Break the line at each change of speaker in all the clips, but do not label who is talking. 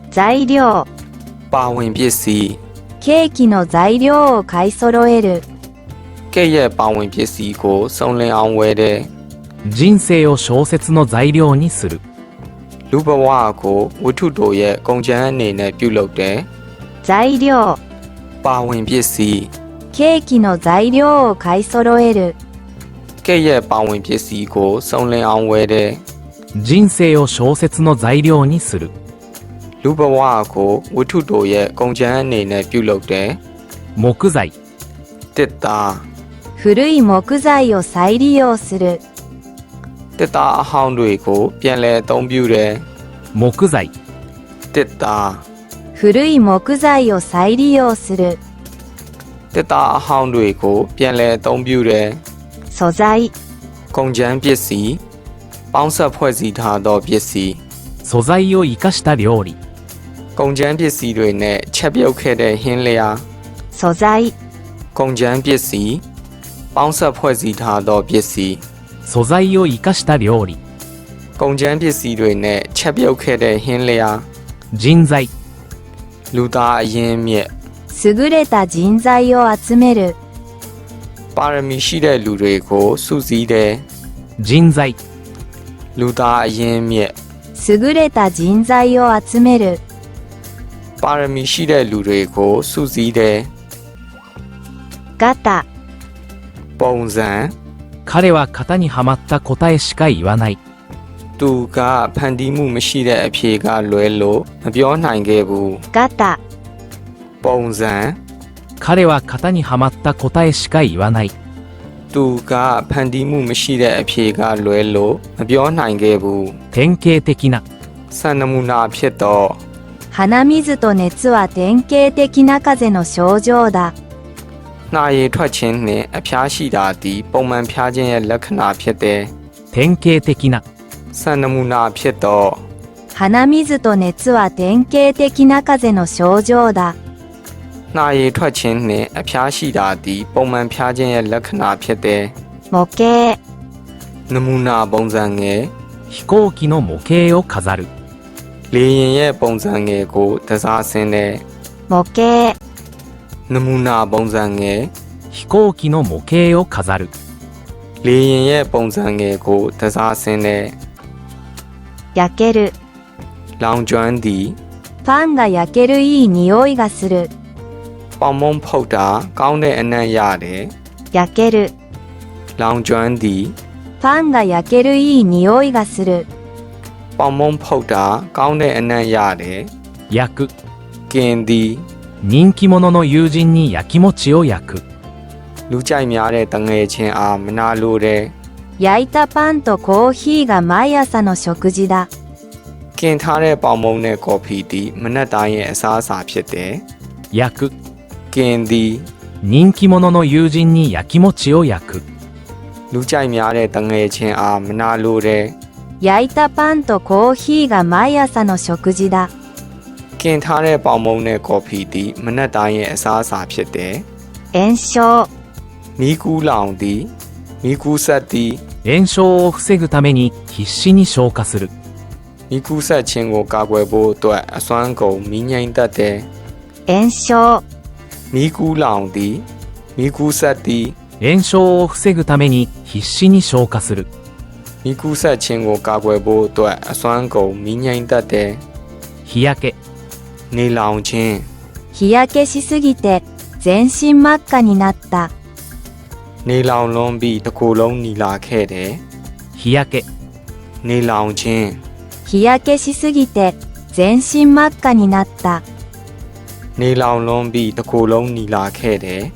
材料、
ပါဝင်ပစ္စည်း
ケーキの材料を買い揃える。
ကဲ့ရဲ့ပါဝင်ပစ္စည်းကိုစုံလင်အောင်ဝယ်တယ်
人生を小説の材料にする。
လူဘဝကိုဝတ္ထုတို့ရဲ့ကုန်ကျန်းအနေနဲ့ပြုလုပ်တယ်
材料、
ပါဝင်ပစ္စည်း
ケーキの材料を買い揃える。
ကဲ့ရဲ့ပါဝင်ပစ္စည်းကိုစုံလင်အောင်ဝယ်တယ်
人生を小説の材料にする。
လူဘဝကိုဝတ္ထုတို့ရဲ့ကုန်ကျန်းအနေနဲ့ပြုလုပ်တယ်
木材、
တစ်သား
古い木材を再利用する。
တစ်သားအဟောင်းတွေကိုပြန်လည်အသုံးပြုတယ်
木材、
တစ်သား
古い木材を再利用する。
တစ်သားအဟောင်းတွေကိုပြန်လည်အသုံးပြုတယ်
素材、
ကုန်ကျန်းပစ္စည်းပေါင်းဆက်ဖွဲ့စည်းထားသောပစ္စည်း
素材を生かした料理。
ကုန်ကျန်းပစ္စည်းတွေနဲ့ချက်ပြုတ်ခဲ့တဲ့ဟင်းလျာ
素材、
ကုန်ကျန်းပစ္စည်းပေါင်းဆက်ဖွဲ့စည်းထားသောပစ္စည်း
素材を生かした料理。
ကုန်ကျန်းပစ္စည်းတွေနဲ့ချက်ပြုတ်ခဲ့တဲ့ဟင်းလျာ
人材、
လူသားအရင်းမြစ်
優れた人材を集める。
ပါရမီရှိတဲ့လူတွေကိုစုစည်းတယ်
人材、
လူသားအရင်းမြစ်
優れた人材を集める。
ပါရမီရှိတဲ့လူတွေကိုစုစည်းတယ်
ガタ、
ပုံစံ
彼は型にはまった答えしか言わない。
သူကဖန်တီးမှုမရှိတဲ့အဖြေကလွဲလို့မပြောနိုင်ခဲ့ဘူး
ガタ、
ပုံစံ
彼は型にはまった答えしか言わない。
သူကဖန်တီးမှုမရှိတဲ့အဖြေကလွဲလို့မပြောနိုင်ခဲ့ဘူး
典型的な。
စံနမူနာဖြစ်တော့
鼻水と熱は典型的な風邪の症状だ。
နှာရည်ထွက်ခြင်းနှင့်အဖျားရှိတာသည်ပုံမှန်ဖျားခြင်းရဲ့လက္ခဏာဖြစ်တယ်
典型的な。
စံနမူနာဖြစ်တော့
鼻水と熱は典型的な風邪の症状だ。
နှာရည်ထွက်ခြင်းနှင့်အဖျားရှိတာသည်ပုံမှန်ဖျားခြင်းရဲ့လက္ခဏာဖြစ်တယ်
模型、
နမူနာပုံစံငယ်
飛行機の模型を飾る。
လေယာဉ်ရဲ့ပုံစံငယ်ကိုတစားဆင်းတယ်
模型、
နမူနာပုံစံငယ်
飛行機の模型を飾る。
လေယာဉ်ရဲ့ပုံစံငယ်ကိုတစားဆင်းတယ်
焼ける。
လောင်ကျွမ်းသည်
パンが焼けるいい匂いがする。
ပေါင်မုံဖုတ်တာကောင်းတဲ့အနံ့ရတယ်
焼ける。
လောင်ကျွမ်းသည်
パンが焼けるいい匂いがする。
ပေါင်မုံဖုတ်တာကောင်းတဲ့အနံ့ရတယ်
焼く。
กินသည်
人気者の友人に焼き餅を焼く。
လူကြိုက်များတဲ့တငယ်ချင်းအားမနာလိုတယ်
焼いたパンとコーヒーが毎朝の食事だ。
กินထားတဲ့ပေါင်မုံနဲ့ကော်ဖီသည်မနက်တိုင်းရဲ့အစားအစာဖြစ်တယ်
焼く。
กินသည်
人気者の友人に焼き餅を焼く。
လူကြိုက်များတဲ့တငယ်ချင်းအားမနာလိုတယ်
焼いたパンとコーヒーが毎朝の食事だ。
กินထားတဲ့ပေါင်မုံနဲ့ကော်ဖီသည်မနက်တိုင်းရဲ့အစားအစာဖြစ်တယ်
炎症、
မီးကူးလောင်သည်မီးကူးဆက်သည်
炎症を防ぐために必死に消火する。
မီးကူးဆက်ခြင်းကိုကာကွယ်ဖို့အတွက်အစွမ်းကုန်မီးငြိမ်းတတ်တယ်
炎症、
မီးကူးလောင်သည်မီးကူးဆက်သည်
炎症を防ぐために必死に消火する。
မီးကူးဆက်ခြင်းကိုကာကွယ်ဖို့အတွက်အစွမ်းကုန်မီးငြိမ်းတတ်တယ်
日焼け。
နေလောင်ခြင်း
日焼けしすぎて全身真っ赤になった。
နေလောင်လွန်ပြီးတစ်ကိုယ်လုံးနီလာခဲ့တယ်
日焼け。
နေလောင်ခြင်း
日焼けしすぎて全身真っ赤になった。
နေလောင်လွန်ပြီးတစ်ကိုယ်လုံးနီလာခဲ့တယ်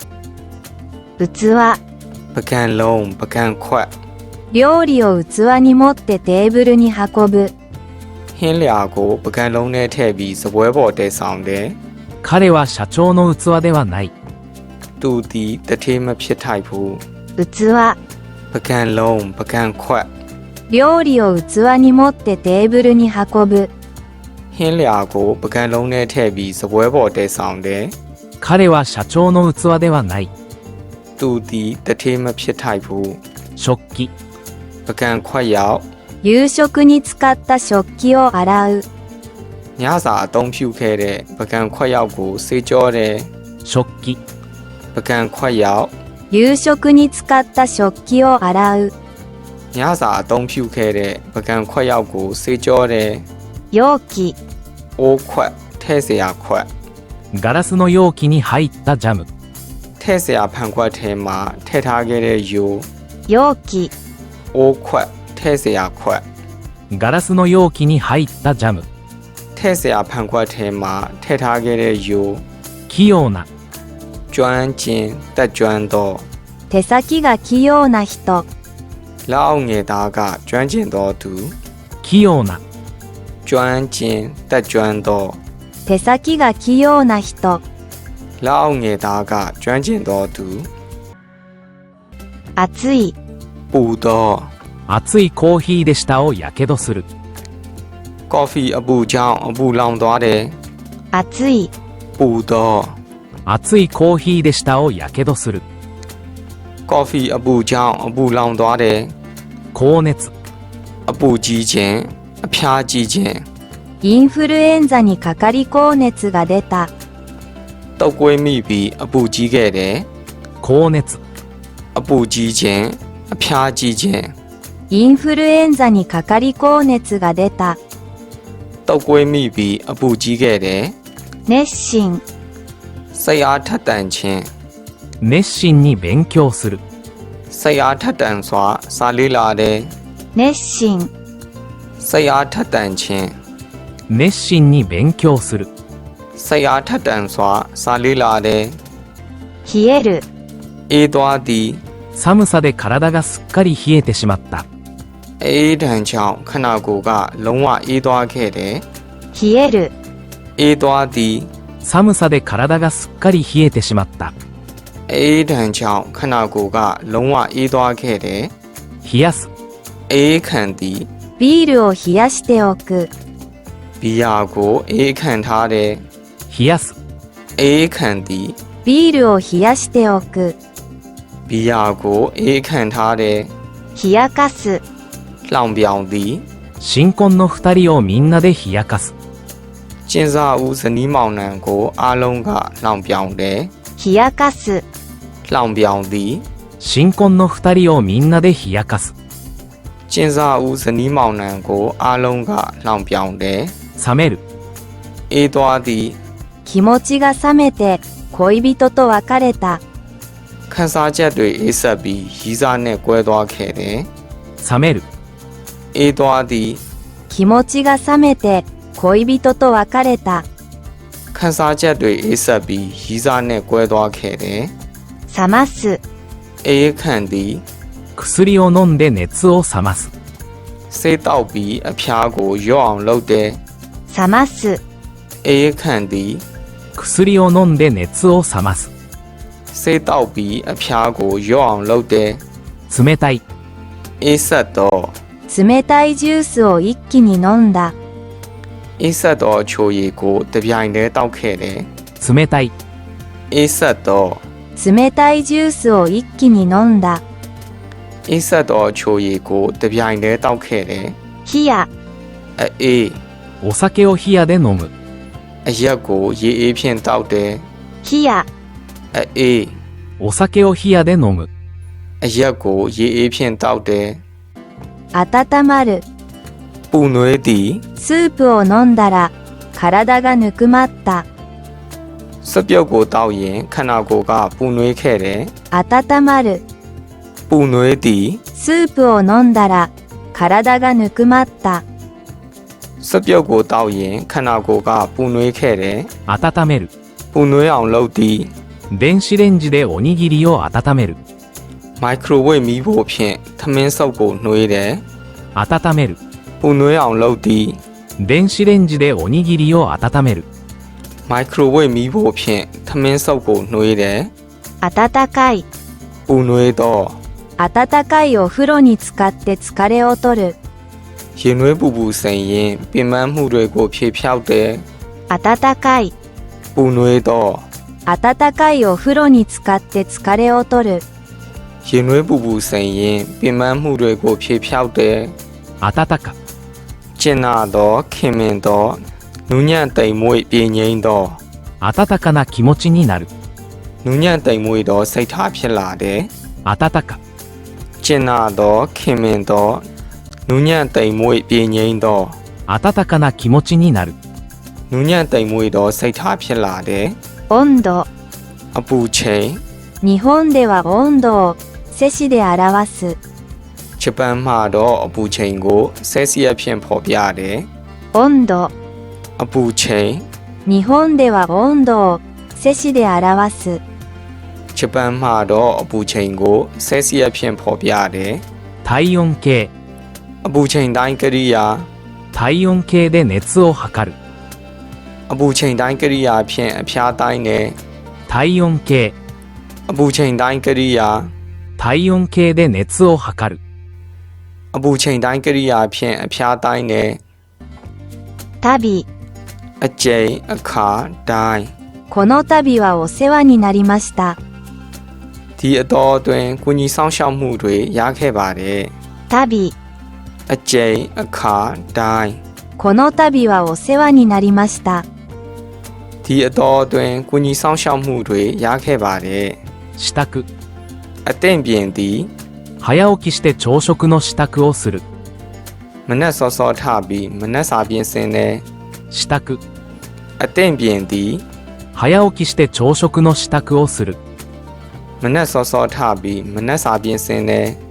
器、
ပကံလုံးပကံခွက်
料理を器に持ってテーブルに運ぶ。
ဟင်းလျာကိုပကံလုံးနဲ့ထည့်ပြီးစပွဲပေါ်တည်ဆောင်တယ်
彼は社長の器ではない。
သူသည်တထေးမဖြစ်ထိုက်ဘူး
器、
ပကံလုံးပကံခွက်
料理を器に持ってテーブルに運ぶ。
ဟင်းလျာကိုပကံလုံးနဲ့ထည့်ပြီးစပွဲပေါ်တည်ဆောင်တယ်
彼は社長の器ではない。
သူသည်တထေးမဖြစ်ထိုက်ဘူး
食器。
ပကံခွက်ရောက်
夕食に使った食器を洗う。
ညစာအသုံးပြုခဲ့တဲ့ပကံခွက်ရောက်ကိုဆေးကြောတဲ့
食器、
ပကံခွက်ရောက်
夕食に使った食器を洗う。
ညစာအသုံးပြုခဲ့တဲ့ပကံခွက်ရောက်ကိုဆေးကြောတဲ့
容器、
အိုးခွက်ထဲ့เสียခွက်
ガラスの容器に入ったジャム、
ထဲ့เสียဖန်ခွက်ထဲမှာထည့်ထားခဲ့တဲ့ယို
容器、
အိုးခွက်ထဲ့เสียခွက်
ガラスの容器に入ったジャム、
ထဲ့เสียဖန်ခွက်ထဲမှာထည့်ထားခဲ့တဲ့ယို
器用な、
ကျွမ်းကျင်တက်ကျွမ်းသော
手先が器用な人。
လက်အောက်ငယ်သားကကျွမ်းကျင်သောသူ
器用な、
ကျွမ်းကျင်တက်ကျွမ်းသော
手先が器用な人。
လက်အောက်ငယ်သားကကျွမ်းကျင်သောသူ
暑い、
ပူသော
熱いコーヒーで舌をやけどする。
ကော်ဖီအပူကြောင့်အပူလောင်သွားတယ်
暑い、
ပူသော
熱いコーヒーで舌をやけどする。
ကော်ဖီအပူကြောင့်အပူလောင်သွားတယ်
高熱、
အပူကြီးခြင်းအဖျားကြီးခြင်း
インフルエンザにかかり高熱が出た。
တုပ်ကွေးမိပြီးအပူကြီးခဲ့တယ်
高熱、
အပူကြီးခြင်းအဖျားကြီးခြင်း
インフルエンザにかかり高熱が出た。
တုပ်ကွေးမိပြီးအပူကြီးခဲ့တယ်
熱心、
စိတ်အားထက်သန်ခြင်း
熱心に勉強する。
စိတ်အားထက်သန်စွာစာလေ့လာတယ်
熱心、
စိတ်အားထက်သန်ခြင်း
熱心に勉強する。
စိတ်အားထက်သန်စွာစာလေ့လာတယ်
冷える、
အေးသွားသည်
寒さで体がすっかり冷えてしまった。
အေးဒဏ်ကြောင့်ခန္ဓာကိုယ်ကလုံးဝအေးသွားခဲ့တယ်
冷える、
အေးသွားသည်
寒さで体がすっかり冷えてしまった。
အေးဒဏ်ကြောင့်ခန္ဓာကိုယ်ကလုံးဝအေးသွားခဲ့တယ်
冷やす、
အေးခံသည်
ビールを冷やしておく。
ဘီယာကိုအေးခံထားတယ်
冷やす、
အေးခံသည်
ビールを冷やしておく。
ဘီယာကိုအေးခံထားတယ်
冷やかす、
လောင်ပြောင်သည်
新婚の二人をみんなで冷やかす。
ကျင်းစာဦးဇနီးမောင်နှံကိုအားလုံးကလောင်ပြောင်တယ်
冷やかす、
လောင်ပြောင်သည်
新婚の二人をみんなで冷やかす。
ကျင်းစာဦးဇနီးမောင်နှံကိုအားလုံးကလောင်ပြောင်တယ်
冷める、
အေးသွားသည်
気持ちが冷めて恋人と別れた。
ခန်းစားချက်တွေအေးဆက်ပြီးရီးစားနဲ့ကွဲသွားခဲ့တယ်
冷める、
အေးသွားသည်
気持ちが冷めて恋人と別れた。
ခန်းစားချက်တွေအေးဆက်ပြီးရီးစားနဲ့ကွဲသွားခဲ့တယ်
冷ます、
အေးခံသည်
薬を飲んで熱を冷ます。
ဆေးတောက်ပြီးအဖျားကိုရော့အောင်လုပ်တယ်
冷ます、
အေးခံသည်
薬を飲んで熱を冷ます。
ဆေးတောက်ပြီးအဖျားကိုရော့အောင်လုပ်တယ်
冷たい、
အေးဆက်တော့
冷たいジュースを一気に飲んだ。
အေးဆက်တော့ချိုရည်ကိုတပြိုင်တည်းတောက်ခဲ့တယ်
冷たい、
အေးဆက်တော့
冷たいジュースを一気に飲んだ。
အေးဆက်တော့ချိုရည်ကိုတပြိုင်တည်းတောက်ခဲ့တယ်
冷や、
အေး
お酒を冷やで飲む。
အရက်ကိုရေအေးဖြင့်တောက်တယ်
冷や、
အေး
お酒を冷やで飲む。
အရက်ကိုရေအေးဖြင့်တောက်တယ်
温まる。
ပူနွေးသည်
スープを飲んだら体がぬくまった。
စပြုတ်ကိုတောက်ရင်ခန္ဓာကိုယ်ကပူနွေးခဲ့တယ်
温まる。
ပူနွေးသည်
スープを飲んだら体がぬくまった。
စပြုတ်ကိုတောက်ရင်ခန္ဓာကိုယ်ကပူနွေးခဲ့တယ်
温める、
ပူနွေးအောင်လုပ်သည်
電子レンジでおにぎりを温める。
မိုက်ခရိုဝေ့မီးဖိုဖြင့်ထမင်းစုပ်ကိုနှွေးတယ်
温める、
ပူနွေးအောင်လုပ်သည်
電子レンジでおにぎりを温める。
မိုက်ခရိုဝေ့မီးဖိုဖြင့်ထမင်းစုပ်ကိုနှွေးတယ်
温かい。
ပူနွေးသော
温かいお風呂に浸かって疲れを取る。
ရေနွေးပူပူစိန်ရင်ပင်ပန်းမှုတွေကိုဖြေဖြောက်တယ်
温かい。
ပူနွေးသော
温かいお風呂に浸かって疲れを取る。
ရေနွေးပူပူစိန်ရင်ပင်ပန်းမှုတွေကိုဖြေဖြောက်တယ်
温か、
ကျင်နာသောခင်မင်သောနူးညံ့တိမ်မွေ့ပြင်းငိမ့်သော
温かな気持ちになる。
နူးညံ့တိမ်မွေ့သောစိတ်ထားဖြစ်လာတဲ့
温か、
ကျင်နာသောခင်မင်သောနူးညံ့တိမ်မွေ့ပြင်းငိမ့်သော
温かな気持ちになる。
နူးညံ့တိမ်မွေ့သောစိတ်ထားဖြစ်လာတဲ့
温度。
အပူချိန်
日本では温度をセシで表す。
ဂျပန်မှာတော့အပူချိန်ကိုဆဲစီယပ်ဖြင့်ဖော်ပြတယ်
温度。
အပူချိန်
日本では温度をセシで表す。
ဂျပန်မှာတော့အပူချိန်ကိုဆဲစီယပ်ဖြင့်ဖော်ပြတယ်
体温計、
အပူချိန်တိုင်းကိရိယာ
体温計で熱を測る。
အပူချိန်တိုင်းကိရိယာဖြင့်အဖျားတိုင်းနဲ့
体温計、
အပူချိန်တိုင်းကိရိယာ
体温計で熱を測る。
အပူချိန်တိုင်းကိရိယာဖြင့်အဖျားတိုင်းနဲ့
旅。
အကျိန်အခါတိုင်း
この度はお世話になりました。
ဒီအတော်အတွင်းကုညီဆောင်ရှောက်မှုတွေရခဲ့ပါတယ်
旅。
အကျိန်အခါတိုင်း
この度はお世話になりました。
ဒီအတော်အတွင်းကုညီဆောင်ရှောက်မှုတွေရခဲ့ပါတယ်
支度、
အသင့်ပြင်သည်
早起きして朝食の支度をする。
မနက်စောစောထပြီးမနက်စာပြင်ဆင်တဲ့
支度、
အသင့်ပြင်သည်
早起きして朝食の支度をする。
မနက်စောစောထပြီးမနက်စာပြင်ဆင်တဲ့